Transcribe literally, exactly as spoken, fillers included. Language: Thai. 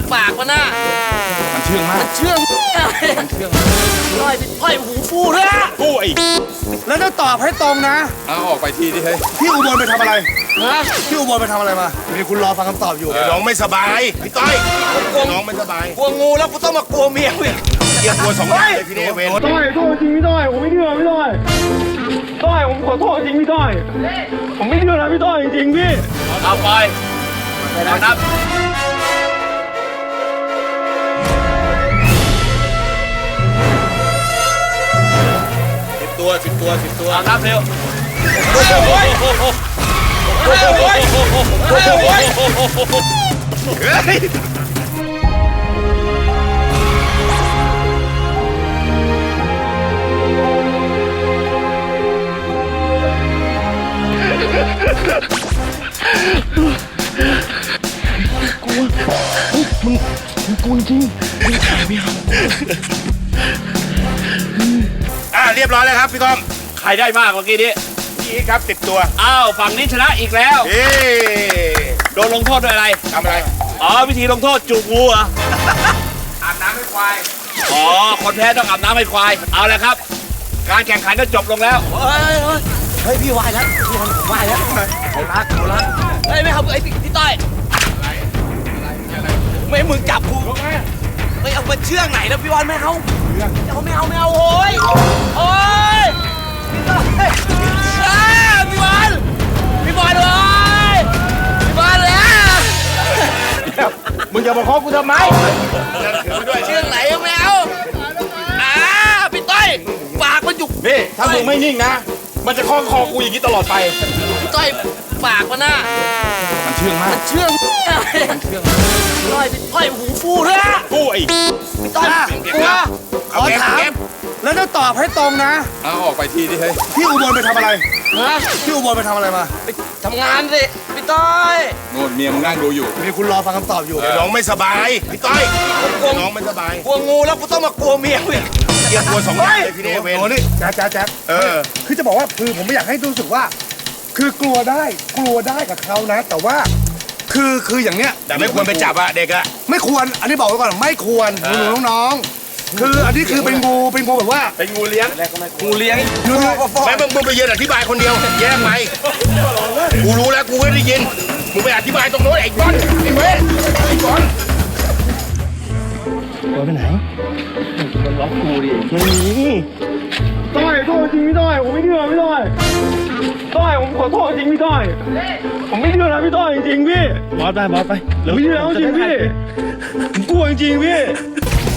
ปากมันน่ะมันเชื่องมากมันเชื่องมันเชื่องต้อยต้อยหูฟูด้วยฟูไอ้แล้วต้องตอบให้ตรงนะเอาออกไปทีดิเฮ้ยพี่อุบลไปทำอะไรพี่อุบลไปทำอะไรมามีคุณรอฟังคำตอบอยู่น้องไม่สบายพี่ต้อยน้องไม่สบายกลัวงูแล้วกูต้องมากลัวเมียอีกเกี่ยวกลัวสองอย่างเลยพี่เนเวนต้อยโทษจริงพี่ต้อยผมไม่เชื่อพี่ต้อยต้อยผมขอโทษจริงพี่ต้อยผมไม่เชื่อนะพี่ต้อยจริงๆพี่เอาไปเอานับสิบตัวสิบตัวสิบตัวเอานับเร็วกลัวมึงมึงกลัวจริงมึงถ่ายไม่เอาอ่าเรียบร้อยแล้วครับพี่ต้อมใครได้มากเมื่อกี้นี้พี่ครับสิบตัวอ้าวฝั่งนี้ชนะอีกแล้วเอ๊โดนลงโทษด้วยอะไรทำอะไรอ๋อวิธีลงโทษจูบงูเหรออาบน้ำให้ควายอ๋อคนแพ้ต้องอาบน้ำให้ควายเอาเลยครับการแข่งขันก็จบลงแล้วเฮ้ยเฮ้ยพี่วายแล้วพี่วายแล้วเขารักเขารักเฮ้ยไม่เอาไอ้พี่ต้อยไม่มึงจับกูไม่เอามาเชือกไหนแล้วพี่วานไม่เอาเอาไม่เอาไม่เอาโอ้ยโอ้ยพี่ต้อยพี่วานพี่วานเลยพี่วานเลยมึงอย่ามาเคาะกูทำไมเชือกไหนไม่เอาอ่าพี่ต้อยปากมันจุกนี่ถ้ามึงไม่นิ่งนะมันจะคล้องคอกูอย่างนี้ตลอดไปพี่ต้อยปากมันน่ะมันเชื่องมากมันเชื่องมันเชื่องต้อยต้อยหูฟูด้วยฟูไอ้พี่ต้อยกลัวขอถามแล้วต้องตอบให้ตรงนะเอาออกไปทีดิเฮ้ยพี่อุบลไปทำอะไรพี่อุบลไปทำอะไรมาไปทำงานสิพี่ต้อยโน่นเมียมึงนั่งดูอยู่มีคุณรอฟังคำตอบอยู่น้องไม่สบายพี่ต้อยน้องไม่สบายกลัวงูแล้วกูต้องมากลัวเมียอีกเกี่ยวกลัวสองอย่างเลยพี่เนเวนโอ้นี่แจ๊คแจ๊คแจ๊คเออคือจะบอกว่าคือผมไม่อยากให้รู้สึกว่าคือกลัวได้กลัวได้กับเขานะแต่ว่าคือคืออย่างเนี้ยแต่ไม่ควรไปจับอะเด็กอะไม่ควรอันนี้บอกไว้ก่อนไม่ควรหนูน้องๆคืออันนี้คือเป็นงูเป็นงูแบบว่าเป็นงูเลี้ยงงูเลี้ยงแม่มึงมึงไปยืนอธิบายคนเดียวแย่ไหมกูรู้แล้วกูไม่ได้ยินมึงไปอธิบายตรงโน้นไอ้ก้อนไอ้เว้ยไอ้ก้อนตัวไปไหนมันล็อกกูดิไม่มีต้อยโทษจริงพี่ต้อยผมไม่เชื่อพี่ต้อยต้อยผมขอโทษจริงพี่ต้อยผมไม่เชื่อนะพี่ต้อยจริงๆพี่บอสไปบอสไปผมไม่เชื่อจริงพี่ผมกลัวจริงๆพี่